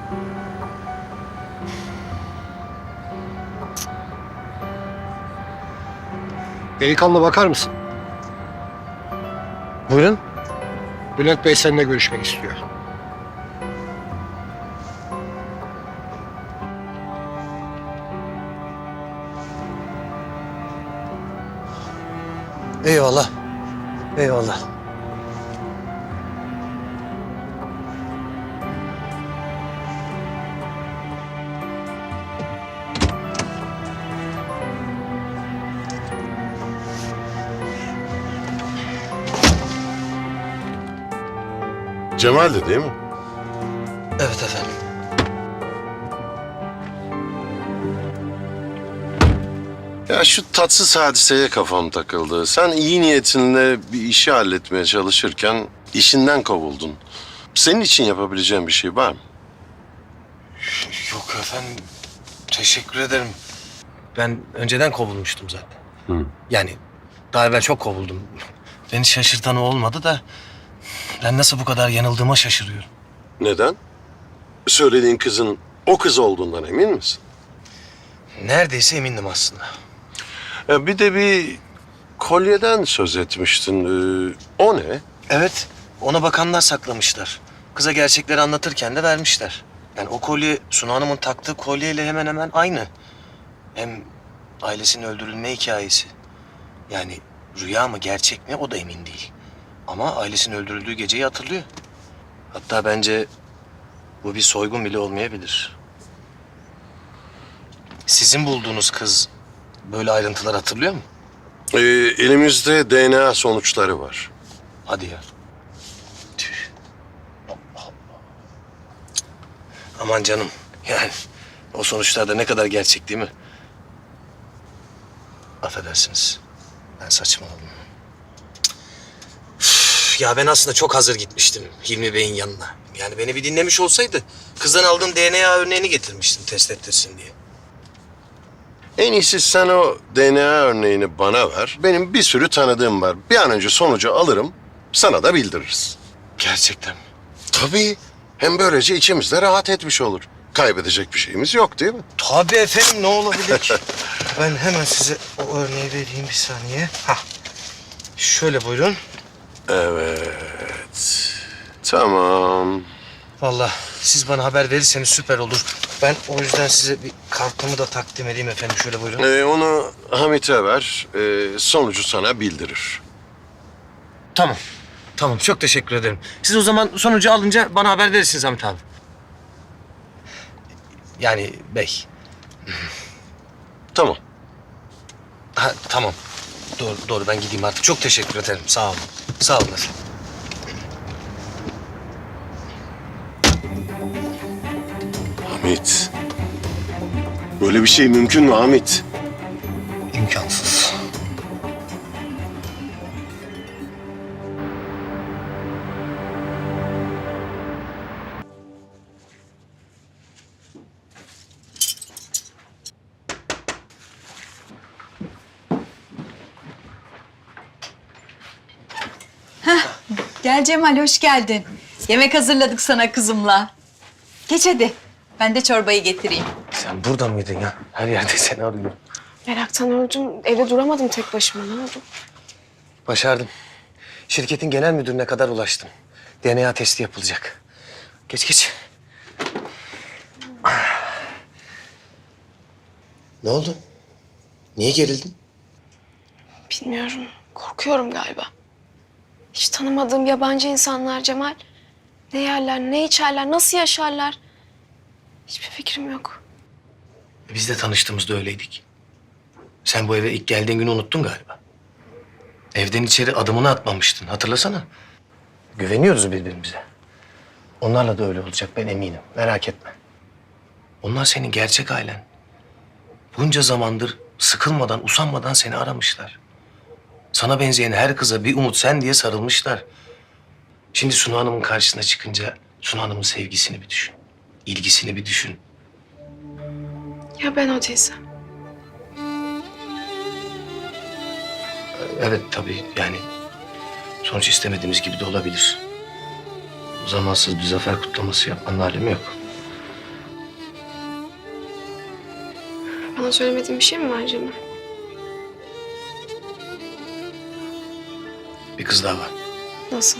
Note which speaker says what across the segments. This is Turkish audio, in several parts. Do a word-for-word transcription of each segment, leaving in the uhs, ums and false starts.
Speaker 1: Delikanlı bakar mısın?
Speaker 2: Buyurun.
Speaker 1: Bülent Bey seninle görüşmek istiyor.
Speaker 2: Eyvallah. Eyvallah.
Speaker 3: Cemal'di değil mi?
Speaker 2: Evet efendim.
Speaker 3: Ya şu tatsız hadiseye kafam takıldı. Sen iyi niyetinle bir işi halletmeye çalışırken işinden kovuldun. Senin için yapabileceğim bir şey var mı?
Speaker 2: Yok efendim. Teşekkür ederim. Ben önceden kovulmuştum zaten.
Speaker 3: Hı.
Speaker 2: Yani daha evvel çok kovuldum. Beni şaşırtan o olmadı da ben nasıl bu kadar yanıldığıma şaşırıyorum.
Speaker 3: Neden? Söylediğin kızın o kız olduğundan emin misin?
Speaker 2: Neredeyse emindim aslında.
Speaker 3: Ya bir de bir kolyeden söz etmiştin. Ee, o ne?
Speaker 2: Evet, ona bakanlar saklamışlar. Kıza gerçekleri anlatırken de vermişler. Yani o kolye Sunu Hanım'ın taktığı kolyeyle hemen hemen aynı. Hem ailesinin öldürülme hikayesi. Yani rüya mı gerçek mi o da emin değil. Ama ailesinin öldürüldüğü geceyi hatırlıyor. Hatta bence bu bir soygun bile olmayabilir. Sizin bulduğunuz kız böyle ayrıntılar hatırlıyor mu?
Speaker 3: Ee, elimizde D N A sonuçları var.
Speaker 2: Hadi ya. Tüh. Aman canım. Yani o sonuçlarda ne kadar gerçek değil mi? Affedersiniz. Ben saçmaladım. Üf, ya ben aslında çok hazır gitmiştim Hilmi Bey'in yanına. Yani beni bir dinlemiş olsaydı kızdan aldığım D N A örneğini getirmiştim test ettirsin diye.
Speaker 3: En iyisi sen o D N A örneğini bana ver. Benim bir sürü tanıdığım var. Bir an önce sonucu alırım, sana da bildiririz.
Speaker 2: Gerçekten mi?
Speaker 3: Tabii. Hem böylece içimiz de rahat etmiş olur. Kaybedecek bir şeyimiz yok değil mi?
Speaker 2: Tabii efendim, ne olabilir ki? Ben hemen size o örneği vereyim, bir saniye. Hah. Şöyle buyurun.
Speaker 3: Evet. Tamam.
Speaker 2: Vallahi siz bana haber verirseniz süper olur. Ben o yüzden size bir kartımı da takdim edeyim efendim. Şöyle buyurun.
Speaker 3: Ee, onu Hamit'e ver. Ee, sonucu sana bildirir.
Speaker 2: Tamam. Tamam, çok teşekkür ederim. Siz o zaman sonucu alınca bana haber verirsiniz Hamit abi. Yani bey.
Speaker 3: Tamam.
Speaker 2: Ha, tamam. Doğru, doğru, ben gideyim artık. Çok teşekkür ederim. Sağ olun. Sağ olun efendim.
Speaker 3: Hamit. Böyle bir şey mümkün mü Hamit?
Speaker 2: İmkansız.
Speaker 4: Gel Cemal, hoş geldin. Yemek hazırladık sana kızımla. Geç hadi. Ben de çorbayı getireyim.
Speaker 2: Sen burada mıydın ya? Her yerde seni arıyorum.
Speaker 5: Meraktan öldüm. Evde duramadım tek başıma. Ne oldu?
Speaker 2: Başardım. Şirketin genel müdürüne kadar ulaştım. D N A testi yapılacak. Geç geç. Ne oldu? Niye gerildin?
Speaker 5: Bilmiyorum. Korkuyorum galiba. Hiç tanımadığım yabancı insanlar Cemal. Ne yerler, ne içerler, nasıl yaşarlar? Hiçbir fikrim yok.
Speaker 2: Biz de tanıştığımızda öyleydik. Sen bu eve ilk geldiğin günü unuttun galiba. Evden içeri adımını atmamıştın, hatırlasana. Güveniyoruz birbirimize. Onlarla da öyle olacak, ben eminim. Merak etme. Onlar senin gerçek ailen. Bunca zamandır sıkılmadan, usanmadan seni aramışlar. Sana benzeyen her kıza bir umut sen diye sarılmışlar. Şimdi Sunu Hanım'ın karşısına çıkınca Sunu Hanım'ın sevgisini bir düşün. İlgisini bir düşün.
Speaker 5: Ya ben o değilsem?
Speaker 2: Evet tabii, yani sonuç istemediğimiz gibi de olabilir. Zamansız bir zafer kutlaması yapmanın alemi yok.
Speaker 5: Bana söylemediğin bir şey mi var Cemal?
Speaker 2: Bir kız daha var.
Speaker 5: Nasıl?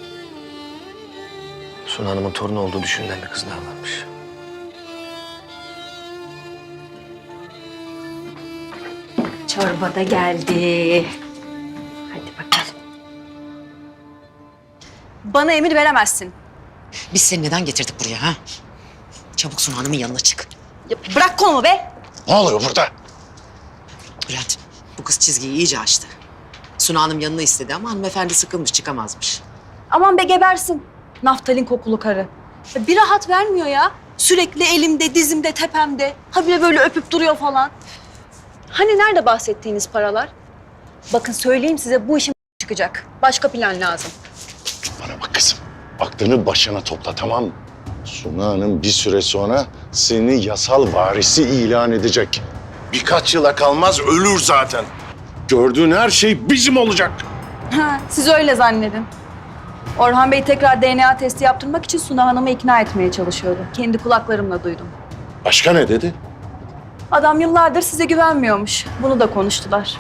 Speaker 2: Suna Hanım'ın torunu olduğu düşünülen bir kız daha varmış.
Speaker 4: Çorba da geldi. Hadi bakalım. Bana emir veremezsin.
Speaker 6: Biz seni neden getirdik buraya ha? Çabuk Sunu Hanım'ın yanına çık.
Speaker 4: Ya bırak kolumu be.
Speaker 3: Ne oluyor burada?
Speaker 6: Bülent, bu kız çizgiyi iyice aştı. Sunu Hanım yanına istedi ama hanımefendi sıkılmış, çıkamazmış.
Speaker 4: Aman be gebersin. Naftalin kokulu karı. Ya bir rahat vermiyor ya. Sürekli elimde, dizimde, tepemde. Habire böyle öpüp duruyor falan. Hani nerede bahsettiğiniz paralar? Bakın söyleyeyim size bu işin çıkacak. Başka plan lazım.
Speaker 7: Bana bak kızım. Aklını başına topla, tamam mı? Suna Hanım bir süre sonra seni yasal varisi ilan edecek. Birkaç yıla kalmaz ölür zaten. Gördüğün her şey bizim olacak.
Speaker 4: Ha, siz öyle zannedin. Orhan Bey tekrar D N A testi yaptırmak için Suna Hanım'ı ikna etmeye çalışıyordu. Kendi kulaklarımla duydum.
Speaker 7: Başka ne dedi?
Speaker 4: Adam yıllardır size güvenmiyormuş. Bunu da konuştular.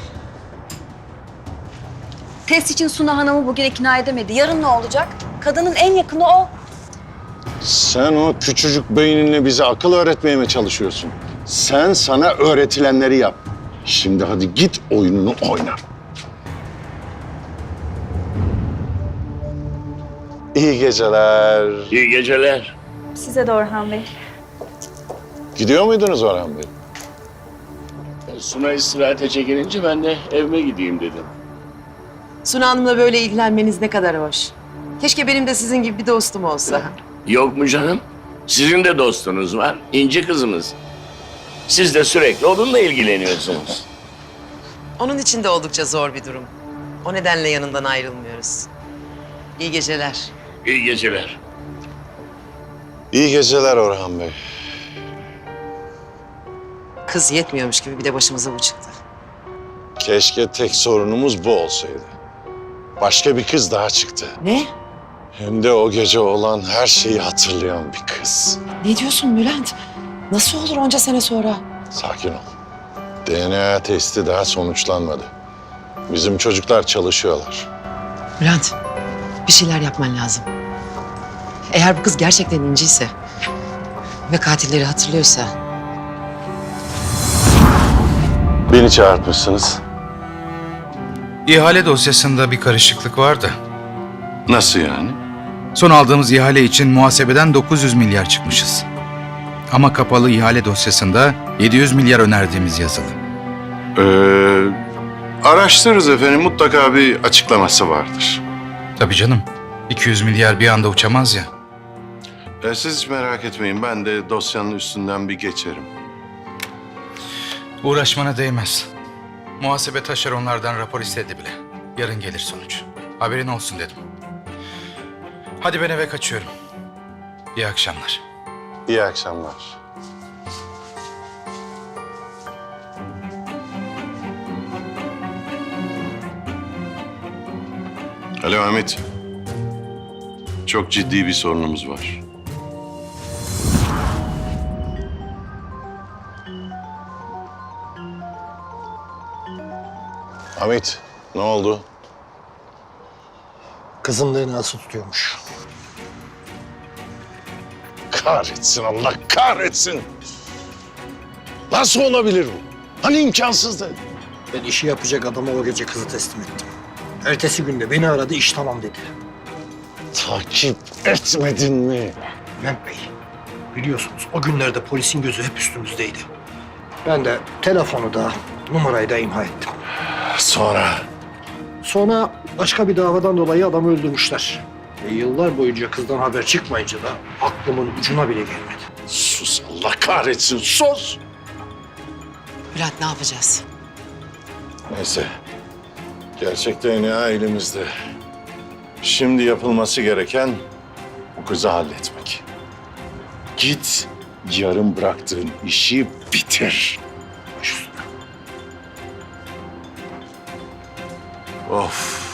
Speaker 4: Test için Suna Hanım'ı bugün ikna edemedi. Yarın ne olacak? Kadının en yakını o.
Speaker 7: Sen o küçücük beyninle bize akıl öğretmeye mi çalışıyorsun? Sen sana öğretilenleri yap. Şimdi hadi git oyununu oyna. İyi geceler.
Speaker 8: İyi geceler.
Speaker 4: Size de Orhan Bey.
Speaker 7: Gidiyor muydunuz Orhan Bey?
Speaker 8: Suna istirahate çekilince ben de evime gideyim dedim.
Speaker 6: Sunu Hanım'la böyle ilgilenmeniz ne kadar hoş. Keşke benim de sizin gibi bir dostum olsa.
Speaker 8: Yok mu canım? Sizin de dostunuz var, İnci kızımız. Siz de sürekli onunla ilgileniyorsunuz.
Speaker 6: Onun için de oldukça zor bir durum. O nedenle yanından ayrılmıyoruz. İyi geceler.
Speaker 8: İyi geceler.
Speaker 7: İyi geceler Orhan Bey.
Speaker 6: Kız yetmiyormuş gibi bir de başımıza bu çıktı.
Speaker 7: Keşke tek sorunumuz bu olsaydı. Başka bir kız daha çıktı.
Speaker 6: Ne?
Speaker 7: Hem de o gece olan her şeyi hatırlayan bir kız.
Speaker 6: Ne diyorsun Bülent? Nasıl olur onca sene sonra?
Speaker 7: Sakin ol. D N A testi daha sonuçlanmadı. Bizim çocuklar çalışıyorlar.
Speaker 6: Bülent, bir şeyler yapman lazım. Eğer bu kız gerçekten inciyse ve katilleri hatırlıyorsa...
Speaker 7: Beni çağırtmışsınız.
Speaker 9: İhale dosyasında bir karışıklık vardı.
Speaker 7: Nasıl yani?
Speaker 9: Son aldığımız ihale için muhasebeden dokuz yüz milyar çıkmışız. Ama kapalı ihale dosyasında yedi yüz milyar önerdiğimiz yazılı.
Speaker 7: Ee, araştırırız efendim. Mutlaka bir açıklaması vardır.
Speaker 9: Tabii canım. iki yüz milyar bir anda uçamaz ya.
Speaker 7: Ee, siz hiç merak etmeyin. Ben de dosyanın üstünden bir geçerim.
Speaker 9: Uğraşmana değmez. Muhasebe taşeronlardan rapor istedi bile. Yarın gelir sonuç. Haberin olsun dedim. Hadi ben eve kaçıyorum. İyi akşamlar.
Speaker 7: İyi akşamlar. Alo Ahmet. Çok ciddi bir sorunumuz var. Ahmet, ne oldu?
Speaker 1: Kızın D N A'sı tutuyormuş.
Speaker 7: Kahretsin, Allah kahretsin. Nasıl olabilir bu? Hani imkansızdı?
Speaker 1: Ben işi yapacak adama o gece kızı teslim ettim. Ertesi günde beni aradı, iş tamam dedi.
Speaker 7: Takip etmedin mi?
Speaker 1: Bülent Bey, biliyorsunuz o günlerde polisin gözü hep üstümüzdeydi. Ben de telefonu da, numarayı da imha ettim.
Speaker 7: Sonra?
Speaker 1: Sonra başka bir davadan dolayı adamı öldürmüşler. E, yıllar boyunca kızdan haber çıkmayınca da aklımın ucuna bile gelmedi.
Speaker 7: Sus, Allah kahretsin, sus!
Speaker 6: Bülent ne yapacağız?
Speaker 7: Neyse, gerçek D N A elimizde. Şimdi yapılması gereken bu kızı halletmek. Git, yarım bıraktığın işi bitir. Baş üstüne. Of.